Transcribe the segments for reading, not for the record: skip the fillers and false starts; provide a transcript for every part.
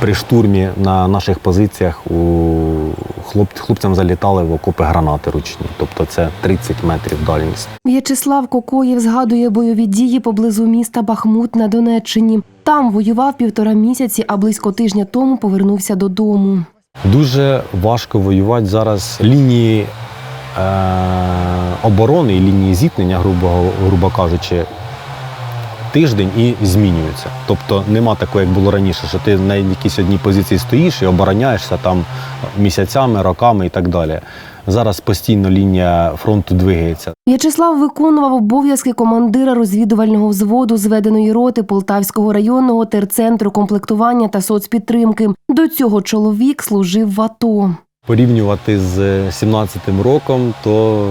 При штурмі на наших позиціях хлопцям залітали в окопи гранати ручні, тобто це 30 метрів дальність. В'ячеслав Кокоєв згадує бойові дії поблизу міста Бахмут на Донеччині. Там воював 1,5 місяці, а близько тижня тому повернувся додому. Дуже важко воювати зараз. Лінії оборони і лінії зіткнення, грубо кажучи, тиждень і змінюються. Тобто нема такого, як було раніше, що ти на якійсь одній позиції стоїш і обороняєшся там місяцями, роками і так далі. Зараз постійно лінія фронту двигається. В'ячеслав виконував обов'язки командира розвідувального взводу зведеної роти Полтавського районного терцентру комплектування та соцпідтримки. До цього чоловік служив в АТО. Порівнювати з 17-м роком, то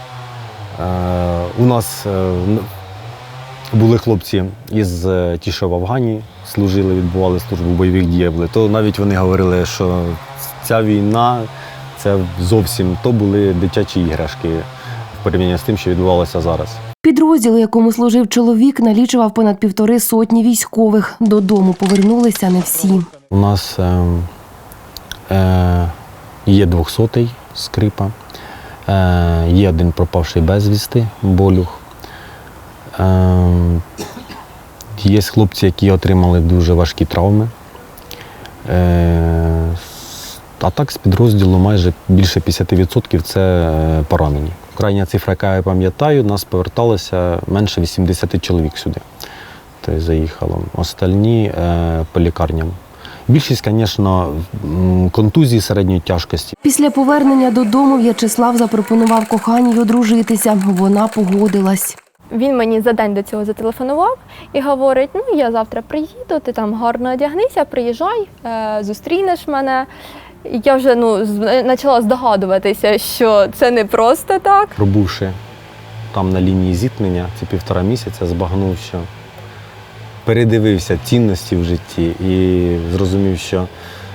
у нас були хлопці із ті, що в Афгані служили, відбували службу в бойових діях, то навіть вони говорили, що ця війна, це зовсім то були дитячі іграшки в порівнянні з тим, що відбувалося зараз. Підрозділ, у якому служив чоловік, налічував понад 1,5 сотні військових. Додому повернулися не всі. У нас є 200-й Скрипа, є один пропавший безвісти Болюх. Є хлопці, які отримали дуже важкі травми. А так з підрозділу майже більше 50% – це поранені. Крайня цифра, яка я пам'ятаю, нас поверталося менше 80 чоловік сюди. Тобто заїхало. Остальні по лікарням. Більшість, звісно, контузії середньої тяжкості. Після повернення додому В'ячеслав запропонував коханій одружитися. Вона погодилась. Він мені за день до цього зателефонував і говорить, я завтра приїду, ти там гарно одягнися, приїжджай, зустрінеш мене. І я вже почала здогадуватися, що це не просто так. Пробувши там на лінії зіткнення ці 1,5 місяця, збагнув, що передивився цінності в житті і зрозумів, що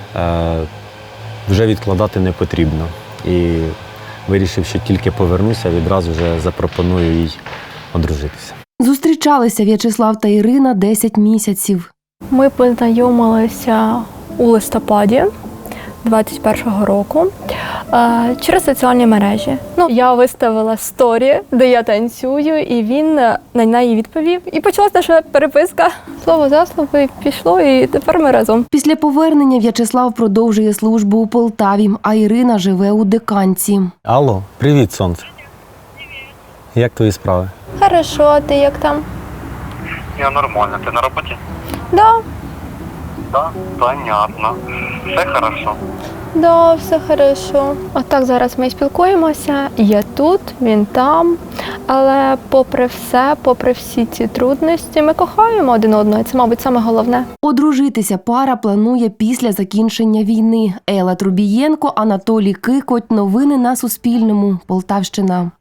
вже відкладати не потрібно. І вирішив, що тільки повернуся, відразу вже запропоную їй одружитися. Зустрічалися В'ячеслав та Ірина 10 місяців. Ми познайомилися у листопаді 21-го року через соціальні мережі. Я виставила сторі, де я танцюю, і він на неї відповів. І почалася наша переписка. Слово за слово, і пішло, і тепер ми разом. Після повернення В'ячеслав продовжує службу у Полтаві, а Ірина живе у Диканці. Алло, привіт, сонце. Як твої справи? Хорошо, а ти як там? Я нормально. Ты на работе? Да, Да. Понятно. Все хорошо. да, все хорошо. Отак зараз ми спілкуємося. Я тут, він там. Але попри все, попри всі ці трудності, ми кохаємо один одного. Це, мабуть, саме головне. Одружитися пара планує після закінчення війни. Елла Трубієнко, Анатолій Кикоть. Новини на Суспільному. Полтавщина.